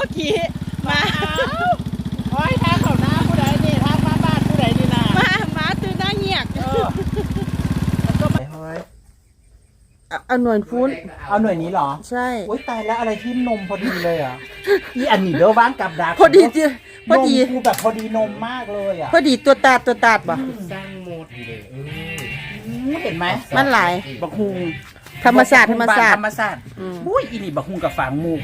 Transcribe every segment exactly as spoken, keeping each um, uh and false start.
กี้มาโอ้ยทางเขาหน้าผู้ใดนี่ทางมาบ้านผู้ใดนี่นะมามาตื่นหน้าเงียกเอาหน่วยฟูนเอาหน่วยนี้เหรอใช่โอ้ยตายแล้วอะไรที่นมพอดีเลยอ่ะอีอันนี้เด้อว่างกับดักพอดีจีพอดีกูแบบพอดีนมมากเลยอ่ะพอดีตัวตาดตัวตาดบ่สร้างโมดเลยเห็นไหมมันหลายบักฮุงธรรมศาสตร์ธรรมศาสตร์ธรรมศาสตร์อุ้ยอีนี่บักฮุงกับฝางมูก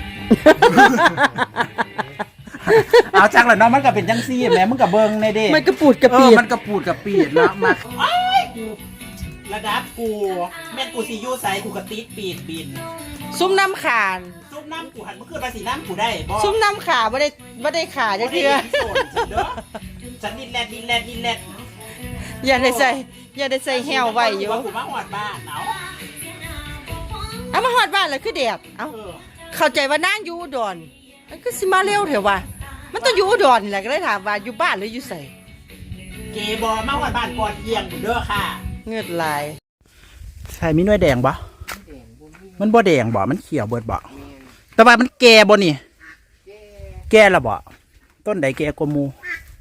เอาจังเลยเนาะมันก็เป็นจังซี่แม่มึงกับเบิ้งในเด้มันกระปูดกระปีดมันกระปูดกระปีดเนาะมาระดับกูแม่กูซียูไซกูกระติดปีดบินซุ้มน้ำขานซุ้มน้ำกูหันเมื่อคืนมาสีน้ำกูได้บ่ซุ้มน้ำขาไม่ได้ไม่ได้ขาจะเทื่อฉันดินแลดดินแลดดินแลดอย่าได้ใส่อย่าได้ใส่แหวไว้อยู่กูมาหอดบ้านเนาะเอามาหอดบ้านเลยคือแดดเอ้าเข้าใจว่านั่งอยู่อุดรมันก็สิมาเร็วเถอะว่ะมันต้องอยู่อุดรนี่แหละก็เลยถามว่าอยู่บ้านหรืออยู่ไสเกบอมาหอดบ้านก่อนเยี่ยงเด้อค่ะเงือดลายใช่มีหน่วยแดงบ่มันบ่แดงบ่มันเขียวเบิดบ่แต่ว่ามันแก่บ่นี่แก่ละบ่ต้นใดแก่กว่าหมู่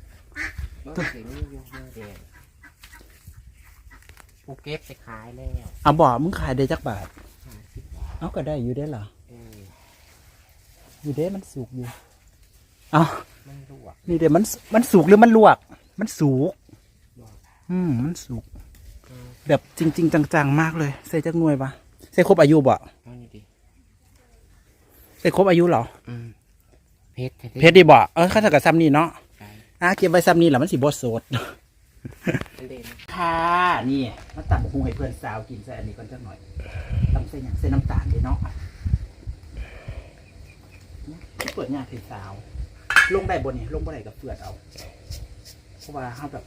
กูเก็บไปขายแล้วเอาบ่มึงขายได้จักบาทเอาก็ได้อยู่ได้เหรออยู่ได้มันสุกอยู่เอานี่เดี๋ยวมันมันสุกหรือมันลวกมันสุกอืมมันสุกแบบจริงๆจังๆมากเลยใส่จักหน่วยปะใส่ครบอายุบ่ใส่ครบอายุเหรอเพชรเพชรดีบ่เออข้าจะกับซ้ำนี่เนาะอ่ะเก็บไว้ซ้ำนี่แหละมันสีบดสดค่ะนี่มาตัดบุ้งให้เพื่อนสาวกินใส่อันนี้ก่อนจักหน่อยต้องใส่อย่างใส่น้ำตาลเลยเนาะเปิดงานเพลสาวลงได้บนนี่ลงบนไหนกับเปลือกเอาเพราะว่าเขาแบบ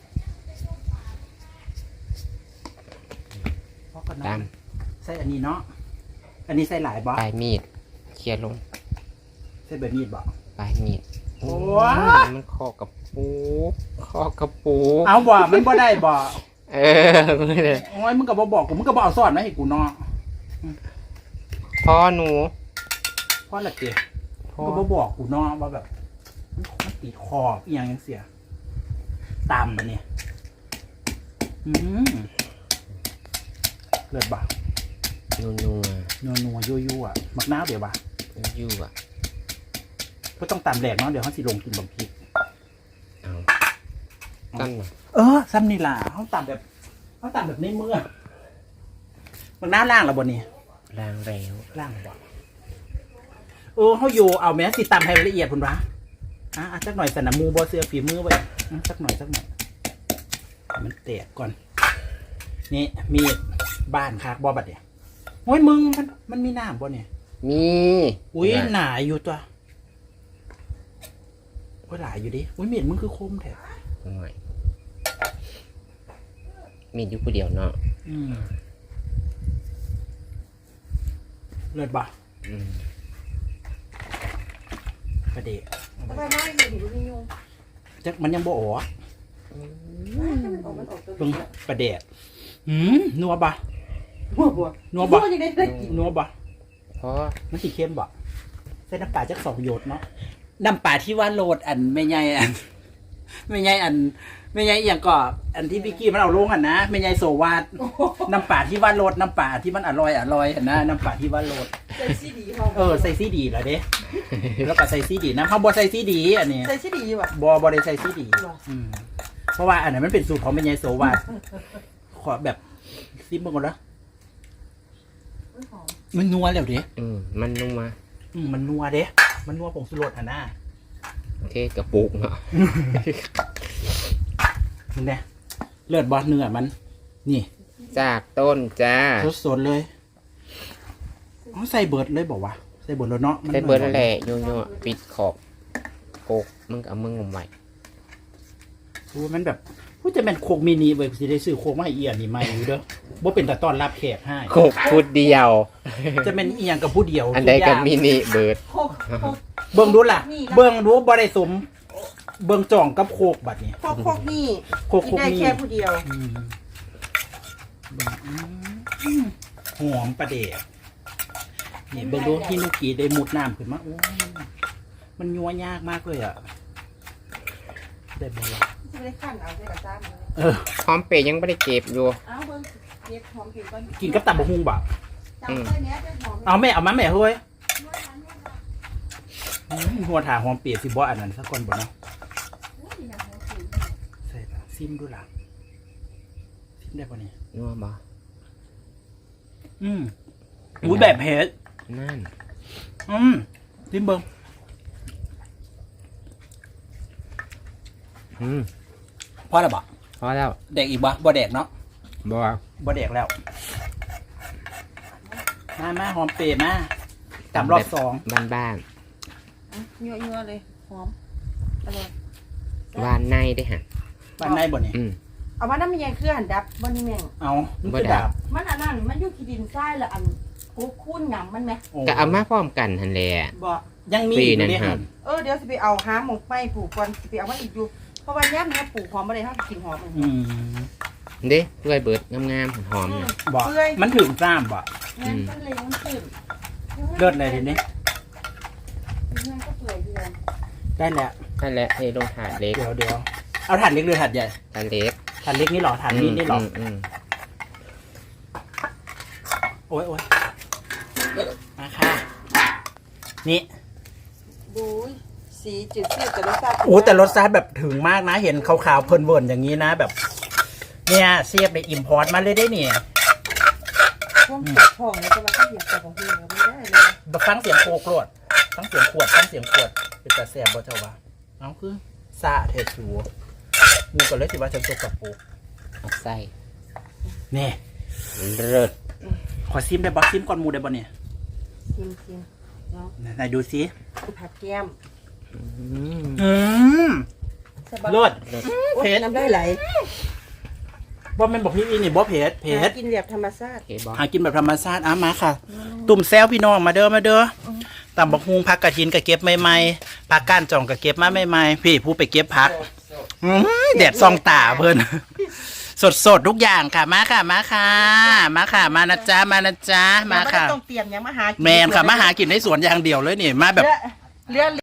เพราะกันนะใส่อันนี้เนาะอันนี้ใส่หลายบ่ปลายมีดเคลียร์ลงใส่แบบมีดบ่ปลายมีดโอ้มันคอกับปูคอกับปูเอาบ่มันบ่ได้บ่เออไม่เลยโอ้ยมึงกับบ่บอกกูมึงกับบ่เอาซ่อนมาให้กูเนาะพ่อหนูพ่อละเกียก็บ่บอกกูเนาะว่าแบบมันติดคออีหยังยังเสียตามมันเนี่ยอืมเลือดบ่านัวนัวนัวนัวยั่วยั่วมักน้าวเดี๋ยวบ่ายั่วก็ต้องตามแหลกเนาะเดี๋ยวเขาสิลงกินบะพริกเอาตั้งเออซ้ำนี่ล่ะเขาตามแบบเขาตามแบบในเมื่อมักน้าวล่างแล้วบนนี้ล่างแล้วล่างบ่เออเขาอยู่เอาแม้สิตามให้ละเอียดพุ่นวะอ่ะสักหน่อยสนามมูบอเสือฝีมือไว้สักหน่อยสักหน่อยมันแตกก่อนนี่มีบ้านคากบอบัดเนี่ยโอ้ยมึงมันมันมีน้ำบ่เนี่ยมีอุ้ยหนาอยู่ตัวโอ้ยหลายอยู่ดิอุ้ยเมียดมึงคือคมแท้มีอยู่คนเดียวเนาะเลิศบ่ประเดี๋ยวจักมันยังบ่ออกเบิ่งประเดี๋ยวหืมนัวบ่นัวบ่นัวบ่นัวบ่เพราะมันสีเข้มบ่ใส่น้ำปลาจักสองหยดเนาะน้ำปลาที่ว่าโหลดอันไม่ใหญ่อันไม่ใหญ่อันไม่ใหญ่อย่างก็อันที่พี่กี้มันเอาลงอ่ะนะไม่ใหญ่โซวาดน้ำปลาที่ว่าโหลดน้ำปลาที่มันอร่อยอร่อยนะน้ำปลาที่ว่าโหลดใส่ซีดีเออใส่ซีดีแล้วเด้แล้วก็ใส่ซีดีนะเขาบอใส่ซีดีอันนี้ใส่ซีดีว่ะบอบอได้ใส่ซีดีเพราะว่าอันนั้นมันเป็นสูตรของไม่ใหญ่โซวาดขอแบบซิมเบิ้งก่อนนะมันนัวแล้วเด้อืมมันนัวอืมมันนัวเด้มันนัวผงชูรสอ่ะนะโอเคกระปุกเนาะมึงเนี่ยเลือดบอสเนื้อมันนี่จากต้นจ้าสดๆเลยเขาใส่เบิร์ดเลยบอกว่าใส่เบิร์ดแล้วเนาะใส่เบิร์ดนั่นแหละโยโย่ปิดขอบโกกมึงเอามึงงมไว้โอ้มันแบบพูดจะเป็นโคกมินิเว้ยสิได้ซื้อโคกมาให้เอียนนี่ไม่อยู่เด้อบ่เป็นแต่ตอนรับแขกให้โคกพูดเดียวจะเป็นเอียงกับผู้เดียวอันใดกับมินิเบิร์ดเบิ่งดูล่ะเบิ่งดูบ่ได้สมเบิ่งจ่องกับโคกบัดนี้โคกโคกนี่โคกโคกนี่แค่ผู้เดียวหอมประเดะนี่เบิ่งดูที่นุกี้ได้มุดน้ำขึ้นมาโอ้มันยัวยากมากเลยอ่ะได้บ่ล่ะจะไม่ได้ขั้นเอาได้กระซ้ำเลยเออหอมเปรย์ยังไม่ได้เก็บอยู่เอาเบิ้งเก็บหอมเก็บก่อนกินกับตับบะฮุงบ่จำได้เนี้ยจะหอมเอาแม่เอามาแม่เฮ้ยอืมหัวถาหอมเปียกสิบ่อันนั้นสักคนบ่เนาะใส่ละซิมดูล่ะซิมได้ป่ะเนี่ยนัวบ่อืมอุ้ยแบบเผ็ดนั่นอืมซิมเบิ้งอืมพอแล้วบ่พอแล้วแดกอีกบ่บ่แดกเนาะบ่บ่แดกแล้วมามาหอมเปียกมาจับรอบสองบ้านบ้านยั่วยั่วๆเลยหอมอร่อยๆวานในได้ฮะบ้านในบ่เนี่ยอืมเอามาน้ำมันยังเครื่องหันดับบ่นี่แม่งเอามันบ่คือดาดาบบมันอันนั้นมันอยู่ขี้ดินทรายละอันกูคุ้นหยำมันไหมโอ้ก็เอามาพร้อมกันทันแหละบ่ยังมีปีอีกนั่อยู่นเนี่ยครับเออเดี๋ยวสิไปเอาหาหมกไม้ปลูกก่อนสิไปเอามาอีกอยู่เพราะว่าย่ำเนี้ยปลูกหอมอะไรเขากินหอมมันอืมเด้เพื่อยเบิดงามๆหอมๆน่ะบ่เปื่อยมันถึงจ้ามบ่งั้นก็เลยมันตื่นเลิศเลยทีนี้งั้นก็เปื่อยเดือนได้แล้วนั่นแหละเทลงถาดเล็กเดี๋ยวเดี๋ยวเอาถ่านเล็กหรือถ่านใหญ่ถาดเล็กถ่านเล็กนี่หรอถ่านนี้นี่หรอมอืมโอ้ยโอ้ยมาค่ะ นี่ดูสีจืดชืดแต่รสชาติโอ้แต่รสชาติแบบถึงมากนะ เห็นขาวๆเพลินเวิร์นอย่างนี้นะแบบ เนี่ยเสียบในอิมพอร์ตมาเลยได้เนี่ยพวกเก็บของเนี่ยจะมาข้าวเหนียวกับของพี่เราไม่ได้เลยฟังเสียงโคกรวดฟังเสียงขวดฟังเสียงขวดเป็นตาแสบบ่เจ้าวะเอาคือซาเทสูมูก็เลยสิว่าฉันตัวกับปูเอาใส่นี่เลิศขอซิมได้บ่ซิมก่อนหมูได้บ่เนี่ยชิมชิมเนาะไหนดูซิคือผัดแก้มอืมอืมใช่ปะเลิศโอ๊ยเผ็ดน้ำได้ไหลบ่แม่นบอกพี่อีนี่บ่เผ็ดเผ็ดหากินแบบธรรมชาติโอเคบอกหากินแบบธรรมชาติอ่ะมาค่ะ ตุ่มแซวพี่น้องมาเด้อมาเด้อตำบักฮุงผักกระถินก็เก็บใหม่ๆผักก้านจ่องก็เก็บมาใหม่ๆพี่ผู้ไปเก็บผักอื้อแดดซองตาเพิ่น สดๆทุกอย่างค่ะมาค่ะมาค่ะ มาค่ะ มานะจ๊ะมานะจ๊ะมาค่ะต้องเตรียมยังมาหากินแมนค่ะมาหากินในสวนอย่างเดียวเลยนี่มาแบบเรือเรือ